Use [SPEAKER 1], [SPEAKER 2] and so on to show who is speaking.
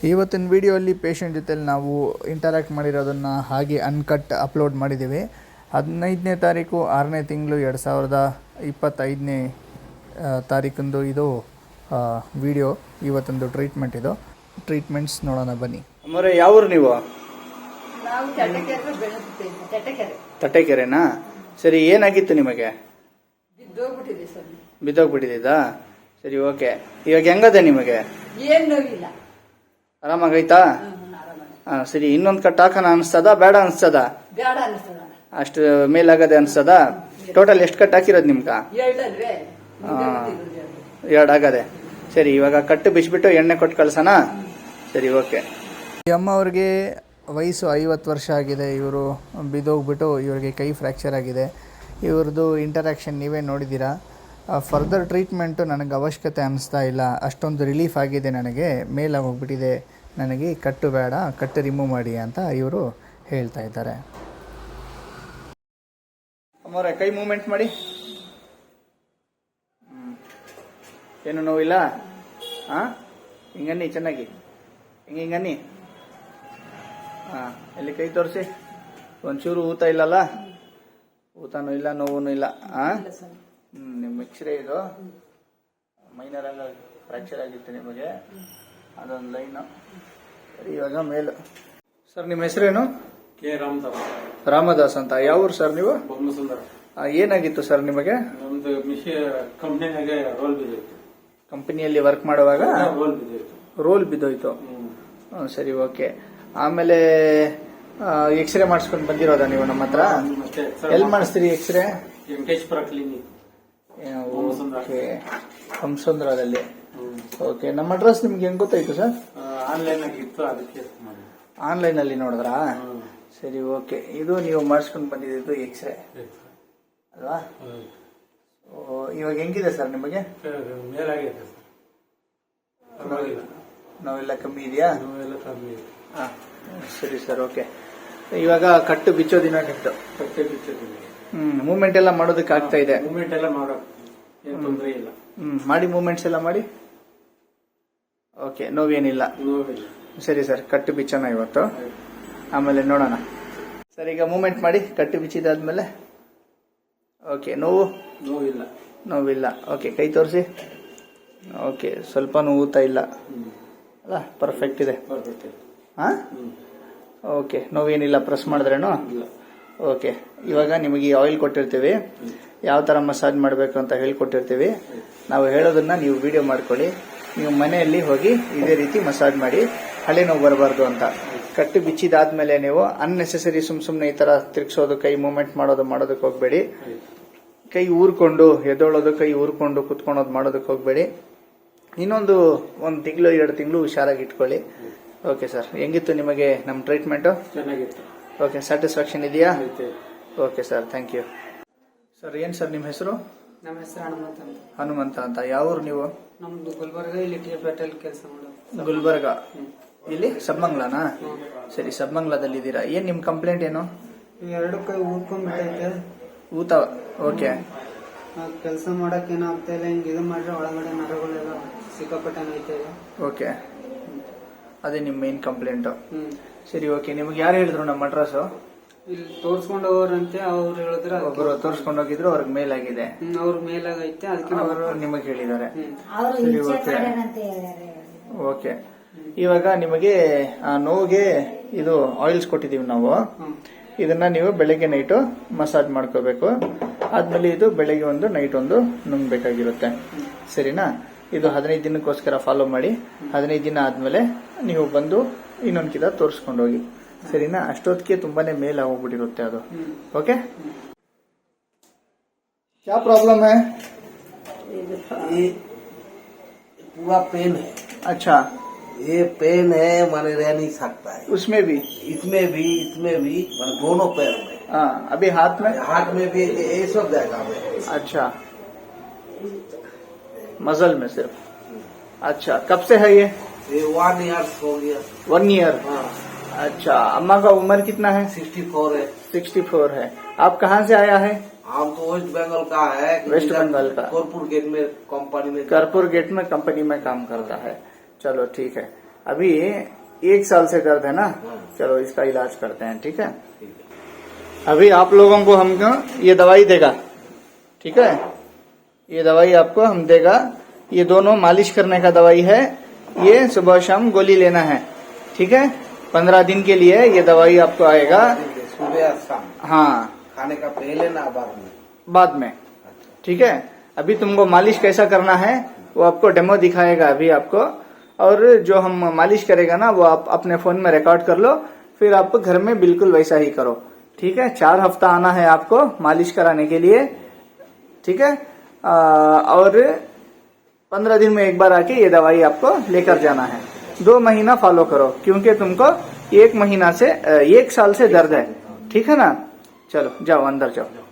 [SPEAKER 1] ಇವತ್ತಿನ ವಿಡಿಯೋಲ್ಲಿ ಪೇಷಂಟ್ ಜೊತೆಲಿ ನಾವು ಇಂಟರಾಕ್ಟ್ ಮಾಡಿರೋದನ್ನು ಹಾಗೆ ಅನ್ಕಟ್ ಅಪ್ಲೋಡ್ ಮಾಡಿದ್ದೀವಿ. 15ನೇ ತಾರೀಕು 6ನೇ ತಿಂಗಳು 2025ನೇ ತಾರೀಕಂದು ಇದು ವಿಡಿಯೋ. ಇವತ್ತೊಂದು ಟ್ರೀಟ್ಮೆಂಟ್ ಇದು. ಟ್ರೀಟ್ಮೆಂಟ್ಸ್ ನೋಡೋಣ ಬನ್ನಿ. ಅಮ್ಮರೇ ಯಾವೂರು ನೀವು? ತಟ್ಟೆಕೆರೆನಾ? ಸರಿ, ಏನಾಗಿತ್ತು ನಿಮಗೆ? ಬಿದ್ದೋಗ್ಬಿಟ್ಟಿದ್ದಾ? ಸರಿ, ಓಕೆ. ಇವಾಗ ಹೆಂಗದೆ ನಿಮಗೆ? ಆರಾಮಾಗೈತಾ? ಸರಿ, ಇನ್ನೊಂದು ಕಟ್ ಹಾಕೋಣ ಅನಿಸ್ತದ ಬೇಡ ಅನಿಸ್ತದ? ಅಷ್ಟು ಮೇಲಾಗದೆ ಅನಿಸ್ತದ? ಟೋಟಲ್ ಎಷ್ಟು ಕಟ್ ಹಾಕಿರೋದು ನಿಮ್ಗ? 2 ಆಗದೆ. ಸರಿ, ಇವಾಗ ಕಟ್ಟು ಬಿಚ್ಬಿಟ್ಟು ಎಣ್ಣೆ ಕೊಟ್ಟು ಕಳ್ಸೋಣ. ಸರಿ, ಓಕೆ. ಈ ಅಮ್ಮ ಅವ್ರಿಗೆ ವಯಸ್ಸು 50 ವರ್ಷ ಆಗಿದೆ. ಇವರು ಬಿದ್ದೋಗ್ಬಿಟ್ಟು ಇವರಿಗೆ ಕೈ ಫ್ರ್ಯಾಕ್ಚರ್ ಆಗಿದೆ. ಇವ್ರದ್ದು ಇಂಟರಾಕ್ಷನ್ ನೀವೇ ನೋಡಿದ್ದೀರಾ. ಫರ್ದರ್ ಟ್ರೀಟ್ಮೆಂಟು ನನಗೆ ಅವಶ್ಯಕತೆ ಅನ್ನಿಸ್ತಾ ಇಲ್ಲ. ಅಷ್ಟೊಂದು ರಿಲೀಫ್ ಆಗಿದೆ ನನಗೆ, ಮೇಲಾಗಿ ಹೋಗ್ಬಿಟ್ಟಿದೆ. ನನಗೆ ಕಟ್ಟು ಬೇಡ, ಕಟ್ಟು ರಿಮೂವ್ ಮಾಡಿ ಅಂತ ಇವರು ಹೇಳ್ತಾ ಇದ್ದಾರೆ. ಅಮ್ಮವ್ರೆ, ಕೈ ಮೂವ್ಮೆಂಟ್ ಮಾಡಿ. ಏನು ನೋವಿಲ್ಲ? ಹಿಂಗನ್ನಿ ಚೆನ್ನಾಗಿ, ಹಿಂಗನ್ನಿ. ಎಲ್ಲಿ ಕೈ ತೋರಿಸಿ. ಒಂಚೂರು ಊತ ಇಲ್ಲಲ್ಲ? ಊತನೂ ಇಲ್ಲ, ನೋವು ಇಲ್ಲ. ನಿಮ್ಮ ಎಕ್ಸ್ರೇ ಇದು ಮೈನರ್ ಎಲ್ಲ ಫ್ರ್ಯಾಕ್ಚರ್ ಆಗಿತ್ತು ನಿಮಗೆ, ಅದೊಂದು ಲೈನು. ಸರಿ, ಇವಾಗ ಮೇಲು. ಸರ್, ನಿಮ್ಮ ಹೆಸರೇನು?
[SPEAKER 2] ಕೆ
[SPEAKER 1] ರಾಮದಾಸ್ ಅಂತ. ಯಾವ ಊರು ಸರ್ ನೀವು?
[SPEAKER 2] ಬೊಮ್ಮಸುಂದರ.
[SPEAKER 1] ಏನಾಗಿತ್ತು ಸರ್ ನಿಮಗೆ?
[SPEAKER 2] ನಮ್ದು ಕಂಪ್ನಿಯಾಗೆ ರೋಲ್ ಬಿದ್ದೋಯ್ತು.
[SPEAKER 1] ಕಂಪನಿಯಲ್ಲಿ ವರ್ಕ್ ಮಾಡುವಾಗ
[SPEAKER 2] ರೋಲ್ ಬಿದ್ದೋಯ್ತು.
[SPEAKER 1] ರೋಲ್ ಬಿದ್ದೋಯ್ತು. ಸರಿ, ಓಕೆ. ಆಮೇಲೆ ಎಕ್ಸ್ರೇ ಮಾಡಿಸ್ಕೊಂಡು ಬಂದಿರೋದಾ ನೀವು ನಮ್ಮ ಹತ್ರ? ಎಲ್ಲಿ ಮಾಡಿಸ್ತೀರಿ ಎಕ್ಸ್ರೇ?
[SPEAKER 2] ವೆಂಕಟೇಶ್ವರ ಕ್ಲಿನಿಕ್,
[SPEAKER 1] ಹಂಸಂದ್ರದಲ್ಲಿ. ಓಕೆ. ನಮ್ಮ ಅಡ್ರೆಸ್ ನಿಮ್ಗೆ ಹೆಂಗ್ ಗೊತ್ತಾಯ್ತು ಸರ್?
[SPEAKER 2] ಆನ್ಲೈನ್ ಆಗಿತ್ತು, ಅದಕ್ಕೆ
[SPEAKER 1] ಆನ್ಲೈನ್ ಅಲ್ಲಿ ನೋಡಿದ್ರಾ? ಸರಿ, ಓಕೆ. ಇದು ನೀವು ಮಾಡಿಸ್ಕೊಂಡು ಬಂದಿದ್ದು ಎಕ್ಸ್ರೇ ಅಲ್ವಾ? ಇವಾಗ ಹೆಂಗಿದೆ ಸರ್ ನಿಮಗೆ?
[SPEAKER 2] ಮೇಲಾಗಿದೆ.
[SPEAKER 1] ನೋವೆಲ್ಲ ಕಮ್ಮಿ ಇದೆಯಾ?
[SPEAKER 2] ನೋವೆಲ್ಲ ಕಮ್ಮಿ ಇದೆ.
[SPEAKER 1] ಸರಿ ಸರ್, ಓಕೆ. ಇವಾಗ ಕಟ್ಟು ಬಿಚ್ಚೋ ದಿನ ನಿಮ್ದು?
[SPEAKER 2] ಕಟ್ಟೆ ಬಿಚ್ಚೋದಿಲ್ಲ.
[SPEAKER 1] ಮೂವ್ಮೆಂಟ್ ಎಲ್ಲ ಮಾಡೋದಕ್ಕೆ ಆಗ್ತಾ ಇದೆ?
[SPEAKER 2] ಮೂವ್ಮೆಂಟ್ ಎಲ್ಲ ಮಾಡೋ ಏನು ತೊಂದರೆ ಇಲ್ಲ.
[SPEAKER 1] ಮಾಡಿ, ಮೂವ್ಮೆಂಟ್ಸ್ ಎಲ್ಲ ಮಾಡಿ. ಓಕೆ, ನೋವೇನಿಲ್ಲ?
[SPEAKER 2] ನೋವಿಲ್ಲ.
[SPEAKER 1] ಸರಿ ಸರ್, ಕಟ್ಟು ಬಿಚ್ಚೋಣ ಇವತ್ತು, ಆಮೇಲೆ ನೋಡೋಣ. ಸರ್, ಈಗ ಮೂವ್ಮೆಂಟ್ ಮಾಡಿ ಕಟ್ಟು ಬಿಚ್ಚಿದಾದ್ಮೇಲೆ. ಓಕೆ.
[SPEAKER 2] ನೋವಿಲ್ಲ?
[SPEAKER 1] ನೋವಿಲ್ಲ. ಓಕೆ, ಕೈ ತೋರಿಸಿ. ಓಕೆ, ಸ್ವಲ್ಪ ಊತ ಇಲ್ಲ ಅಲ್ಲ? ಪರ್ಫೆಕ್ಟ್ ಇದೆ. ಓಕೆ, ನೋವೇನಿಲ್ಲ? ಪ್ರೆಸ್ ಮಾಡಿದ್ರೇನು? ಓಕೆ. ಇವಾಗ ನಿಮಗೆ ಆಯಿಲ್ ಕೊಟ್ಟಿರ್ತೀವಿ, ಯಾವ ತರ ಮಸಾಜ್ ಮಾಡಬೇಕು ಅಂತ ಹೇಳ್ಕೊಟ್ಟಿರ್ತೀವಿ. ನಾವು ಹೇಳೋದನ್ನ ನೀವು ವಿಡಿಯೋ ಮಾಡ್ಕೊಳ್ಳಿ. ನೀವು ಮನೆಯಲ್ಲಿ ಹೋಗಿ ಇದೇ ರೀತಿ ಮಸಾಜ್ ಮಾಡಿ, ಹಳೆ ನೋವು ಬರಬಾರ್ದು ಅಂತ. ಕಟ್ಟು ಬಿಚ್ಚಿದಾದ್ಮೇಲೆ ನೀವು ಅನ್ನೆಸೆಸರಿ ಸುಮ್ನೆ ಈ ತರ ತಿರ್ಗಿಸೋದು, ಕೈ ಮೂವ್ಮೆಂಟ್ ಮಾಡೋದಕ್ಕೆ ಹೋಗ್ಬೇಡಿ. ಕೈ ಊರ್ಕೊಂಡು ಎದ್ದೋಳೋದು, ಕೈ ಊರ್ಕೊಂಡು ಕುತ್ಕೊಳೋದು ಮಾಡೋದಕ್ಕೆ ಹೋಗ್ಬೇಡಿ. ಇನ್ನೊಂದು 1 ತಿಂಗಳು 2 ತಿಂಗಳು ಹುಷಾರಾಗಿ ಇಟ್ಕೊಳ್ಳಿ. ಓಕೆ ಸರ್, ಹೆಂಗಿತ್ತು ನಿಮಗೆ ನಮ್ಮ ಟ್ರೀಟ್ಮೆಂಟು?
[SPEAKER 2] ಚೆನ್ನಾಗಿತ್ತು.
[SPEAKER 1] ಓಕೆ, ಸ್ಯಾಟಿಸ್ಫ್ಯಾಕ್ಷನ್ ಇದೆಯಾ? Okay sir, thank you. Sir, ಏನ್ ಸರ್ ನಿಮ್ಮ ಹೆಸರು?
[SPEAKER 3] ನಮ್ಮ ಹೆಸರು ಹನುಮಂತ ಅಂತ.
[SPEAKER 1] ಹನುಮಂತ ಅಂತ. ಯಾವ ಊರು ನೀವು?
[SPEAKER 3] ನಮ್ದು ಗುಲ್ಬರ್ಗ. ಇಲ್ಲಿ ಟಿಪೇಟಲ್ಲಿ ಕೆಲಸ ಮಾಡೋದು.
[SPEAKER 1] ಗುಲ್ಬರ್ಗ. ಇಲ್ಲಿ ಸಬ್ಮಂಗ್ಲಾನಾ? ಸರಿ, ಸಬ್ಮಂಗ್ಲಾದಲ್ಲಿ ಇದ್ದೀರಾ. ಏನ್ ನಿಮ್ ಕಂಪ್ಲೇಂಟ್ ಏನು?
[SPEAKER 3] 2 ಕೈ ಊದ್ಕೊಂಡ್ಬಿಟ್ಟೈತೆ.
[SPEAKER 1] ಊತ? ಓಕೆ.
[SPEAKER 3] ಕೆಲಸ ಮಾಡಕ್ ಏನಾಗ್ತಾ ಇಲ್ಲ. ಹಿಂಗ್ ಇದು ಮಾಡ್ರೆ ಒಳಗಡೆ ನರಗಳೆಲ್ಲ ಸಿಕ್ಕಾಪಟ್ಟೆ ನೋಯ್ತಾ ಇದೆ.
[SPEAKER 1] ಓಕೆ, ಅದೇ ನಿಮ್ ಮೇನ್ ಕಂಪ್ಲೇಂಟ್. ಸರಿ, ಓಕೆ. ನಿಮ್ಗೆ ಯಾರು ಹೇಳಿದ್ರು ನಮ್ಮ ಅಡ್ರೆಸ್?
[SPEAKER 3] ಇಲ್ಲಿ ತೋರ್ಸ್ಕೊಂಡ್ ಹೋಗೋರಂತೆ, ಅವ್ರು ಹೇಳಿದ್ರೆ.
[SPEAKER 1] ಒಬ್ಬರು ತೋರ್ಸ್ಕೊಂಡು ಹೋಗಿದ್ರು, ಅವ್ರಿಗೆ ಮೇಲಾಗಿದೆ.
[SPEAKER 3] ಅವ್ರ ಮೇಲಾಗೈತೆ, ಅದಕ್ಕೆ
[SPEAKER 1] ಅವರು ನಿಮಗೆ ಹೇಳಿದ್ದಾರೆ. ಸರಿ, ಓಕೆ. ಓಕೆ. ಇವಾಗ ನಿಮಗೆ ಆ ನೋವಿಗೆ ಇದು ಆಯಿಲ್ಸ್ ಕೊಟ್ಟಿದೀವಿ ನಾವು. ಇದನ್ನ ನೀವು ಬೆಳಗ್ಗೆ ನೈಟು ಮಸಾಜ್ ಮಾಡ್ಕೋಬೇಕು. ಆದ್ಮೇಲೆ ಇದು ಬೆಳಗ್ಗೆ ಒಂದು ನೈಟ್ ಒಂದು ನುಂಗ್ಬೇಕಾಗಿರುತ್ತೆ. ಸರಿನಾ? ಇದು 15 ದಿನಕ್ಕೋಸ್ಕರ ಫಾಲೋ ಮಾಡಿ. 15 ದಿನ ಆದ್ಮೇಲೆ ನೀವು ಬಂದು ಇನ್ನೊಂದು ಕಿದ ತೋರಿಸ್ಕೊಂಡು ಹೋಗಿ. ಸರಿನಾ? ಅಷ್ಟೊತ್ತಿಗೆ ತುಂಬಾನೇ ಮೇಲ್ ಆಗೋಗ್ಬಿಟ್ಟಿರುತ್ತೆ ಅದು. ಓಕೆ. क्या प्रॉब्लम है?
[SPEAKER 4] ये पूरा पेन है.
[SPEAKER 1] अच्छा,
[SPEAKER 4] ये पेन है, माने रह नहीं सकता है.
[SPEAKER 1] उसमें भी?
[SPEAKER 4] इसमें भी माने दोनों पैर में.
[SPEAKER 1] हाँ, अभी हाथ में
[SPEAKER 4] भी ये सब जगह में.
[SPEAKER 1] अच्छा, मसल में सिर्फ? अच्छा, कब से है ये?
[SPEAKER 4] 1 ईयर हो गया.
[SPEAKER 1] 1 ईयर? अच्छा, अम्मा का उम्र कितना है?
[SPEAKER 4] 64 है.
[SPEAKER 1] 64 है. आप कहाँ से आया है?
[SPEAKER 4] हम तो वेस्ट बंगाल का है.
[SPEAKER 1] वेस्ट बंगाल का?
[SPEAKER 4] कर्पूर गेट में कंपनी में.
[SPEAKER 1] कर्पूर गेट में कंपनी में काम करता है. चलो ठीक है. अभी 1 साल से दर्द है ना, चलो इसका इलाज करते हैं, ठीक है। अभी आप लोगों को हमको ये दवाई देगा, ठीक है। ये दवाई आपको हम देगा, ये दोनों मालिश करने का दवाई है, ये सुबह शाम गोली लेना है, ठीक है। 15 दिन के लिए ये दवाई आपको आएगा।
[SPEAKER 4] सुबह और शाम
[SPEAKER 1] हाँ,
[SPEAKER 4] खाने का पहले ना
[SPEAKER 1] बाद में, ठीक है। अभी तुमको मालिश कैसा करना है वो आपको डेमो दिखाएगा अभी आपको, और जो हम मालिश करेगा ना वो आप अपने फोन में रिकॉर्ड कर लो, फिर आप घर में बिल्कुल वैसा ही करो, ठीक है। 4 हफ्ता आना है आपको मालिश कराने के लिए, ठीक है। और 15 दिन में एक बार आके ये दवाई आपको लेकर जाना है। 2 महीना फॉलो करो, क्योंकि तुमको 1 महीना से 1 साल से दर्द है, ठीक है ना। चलो जाओ अंदर जाओ।